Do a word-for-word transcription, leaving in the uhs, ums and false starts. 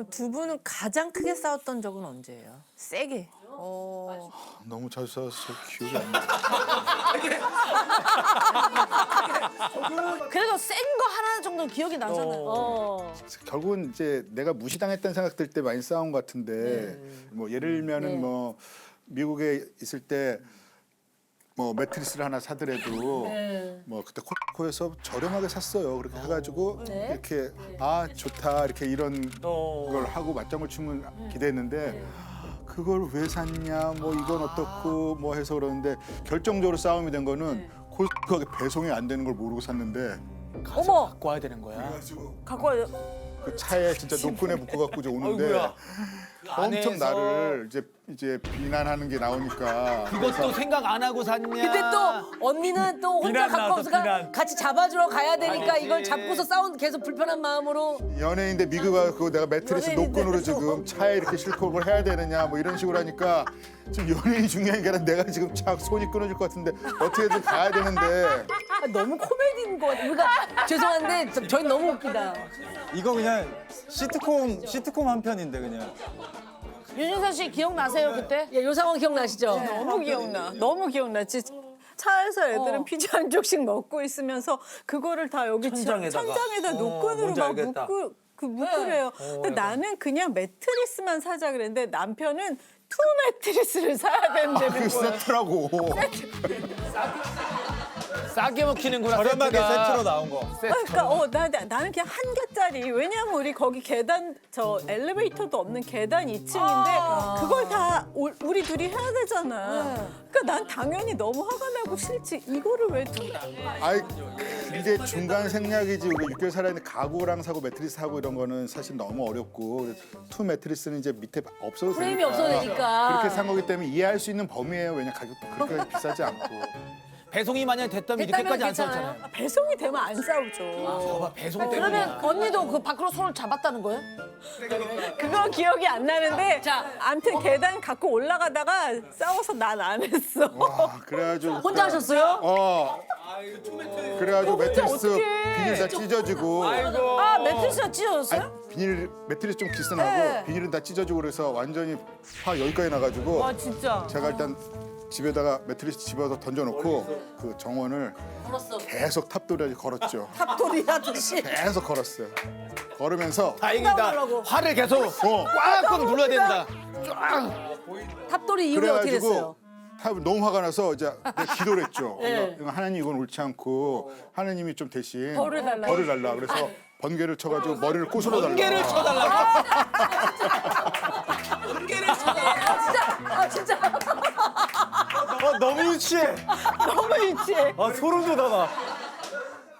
두 분은 가장 크게 싸웠던 적은 언제예요? 세게. 어. 너무 자주 싸워서 기억이 안 나. 그래도 센 거 하나 정도는 기억이 나잖아요. 어. 결국은 이제 내가 무시당했다는 생각 들 때 많이 싸운 것 같은데 뭐 예를 들면은 네. 뭐 미국에 있을 때 뭐 매트리스를 하나 사더라도 네. 뭐 그때 콜코에서 저렴하게 샀어요. 그렇게 해가지고 네. 이렇게 아 좋다 이렇게 이런 어. 걸 하고 맞장을 추면 기대했는데 그걸 왜 샀냐 뭐 이건 어떻고 뭐 해서 그러는데 결정적으로 싸움이 된 거는 콜코가 배송이 안 되는 걸 모르고 샀는데 어머, 갖고 와야 되는 거야. 갖고 와요. 그 차에 진짜 노끈에 묶어갖고 이제 오는데 아이고야. 엄청 안에서. 나를 이제 이제 비난하는 게 나오니까 그것도 생각 안 하고 샀냐? 근데 또 언니는 또 혼자 비난 갖고 나왔어, 없으니까 비난. 같이 잡아주러 가야 되니까 아니지. 이걸 잡고서 싸운 계속 불편한 마음으로. 연예인데 미국 와서 내가 매트리스 연예인인데 노끈으로 지금 차에 이렇게 싣고 그걸 해야 되느냐 뭐 이런 식으로 하니까 지금 연예인이 중요한 게 아니라 내가 지금 차 손이 끊어질 것 같은데 어떻게든 가야 되는데 아, 너무 코미디인 것 같아. 그러니까 죄송한데 저- 저희 너무 웃기다. 이거 그냥 시트콤 시트콤 한 편인데 그냥. 윤준서 씨 기억나세요 그때? 예, 요 상황 기억나시죠? 너무 기억나. 너무 기억나. 진짜 차에서 애들은 어. 피자 한 쪽씩 먹고 있으면서 그거를 다 여기 천장에다가. 천장에다 어, 노끈으로 뭔지 막 알겠다. 묶고 그 묶으래요. 근데 나는 그냥 매트리스만 사자 그랬는데 남편은 투 매트리스를 사야 된다는 그 거예요. 세트라고 싸게 먹히는구나. 저렴하게 세트가. 세트로 나온 거. 그러니까 어, 나, 나- 나는 그냥 한 개짜리. 왜냐면 우리 거기 계단 저 엘리베이터도 없는 계단 이 층인데 그걸 다 올- 우리 둘이 해야 되잖아. 그러니까 난 당연히 너무 화가 나고 싫지. 이거를 왜 두? 아이 이제 중간 생략이지 우리 육 개월 살아있는데 가구랑 사고 매트리스 사고 이런 거는 사실 너무 어렵고 투 매트리스는 이제 밑에 없어도 프레임이 되니까 없어도 되니까. 그렇게 산 거기 때문에 이해할 수 있는 범위예요. 왜냐 가격도 그렇게 비싸지 않고 배송이 만약 됐다면 됐다면 이렇게까지 안 괜찮아요. 싸웠잖아요. 배송이 되면 안 싸우죠. 봐봐, 배송 때문에. 그러면 언니도 그 밖으로 손을 잡았다는 거예요? 그거 기억이 안 나는데 자. 아무튼 계단 갖고 올라가다가 싸워서 난 안 했어. 와 그래가지고 혼자 하셨어요? 어 그래가지고 매트리스 어떡해. 비닐 다 찢어지고 아 매트리스가 찢어졌어요? 아니, 비닐 매트리스 좀 기스나고 네. 비닐은 다 찢어지고 그래서 완전히 파 여기까지 나가지고 와 진짜. 제가 일단 집에다가 매트리스 집어서 던져놓고 그 정원을 걸었어. 계속 탑돌이 걸었죠. 탑돌이 하듯이. 계속 걸었어요. 걸으면서 다행이다. 싸우려고. 화를 계속 어 꽉꽉 눌러야 된다. 탑돌이 이후에 어떻게 됐어요? 탑 너무 화가 나서 이제 내가 기도를 했죠. 네. 이거 하나님 이건 옳지 않고 하나님이 좀 대신 벌을 달라. 벌을 달라. 그래서 번개를 쳐가지고 머리를 꼬스러 달라. 번개를 쳐달라고. 아 진짜. 아 너무 유치해. 너무 유치해. 아 소름 돋아 나.